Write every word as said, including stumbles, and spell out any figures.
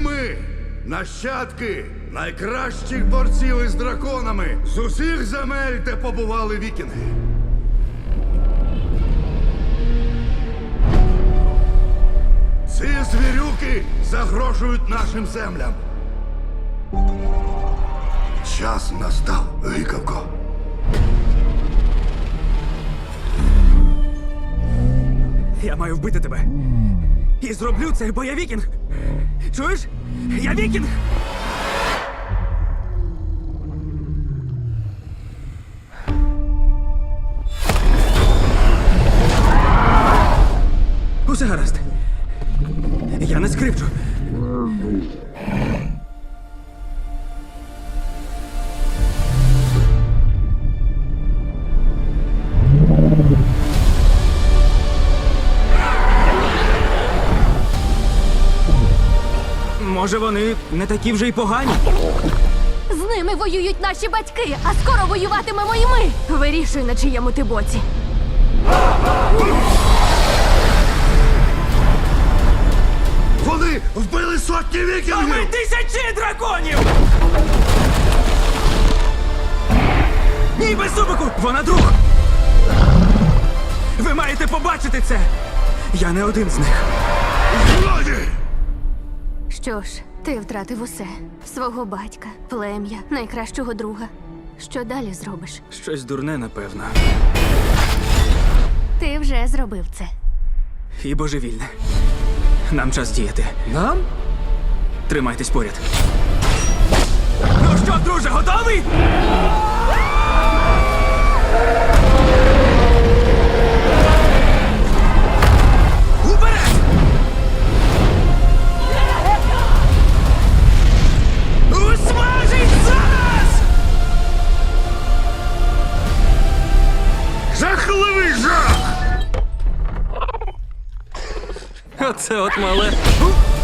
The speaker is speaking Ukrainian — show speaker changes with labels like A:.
A: ми, нащадки найкращих борців із драконами з усіх земель, де побували вікінги. Ці звірюки загрожують нашим землям. Час настав, гикавко.
B: Я маю вбити тебе. І зроблю це, бо я вікінг. Чуєш? Я вікінг! Усе гаразд. Я не скрипчу. Може, вони не такі вже й погані?
C: З ними воюють наші батьки, а скоро воюватимемо і ми. Вирішуй, на чиєму ти боці.
A: Вони вбили сотні
B: А ми
A: вікінгів!
B: тисячі драконів! Ні, без зубику! Вона друг! Ви маєте побачити це! Я не один з них.
A: Злоді!
C: Що ж, ти втратив усе. Свого батька, плем'я, найкращого друга. Що далі зробиш?
B: Щось дурне, напевно.
C: Ти вже зробив це.
B: І божевільне. Нам час діяти.
D: Нам?
B: Тримайтесь поряд. Ну що, друже, готовий? Уперед! Усмажить зараз!
A: Жахливий жах!
B: Оце от мале.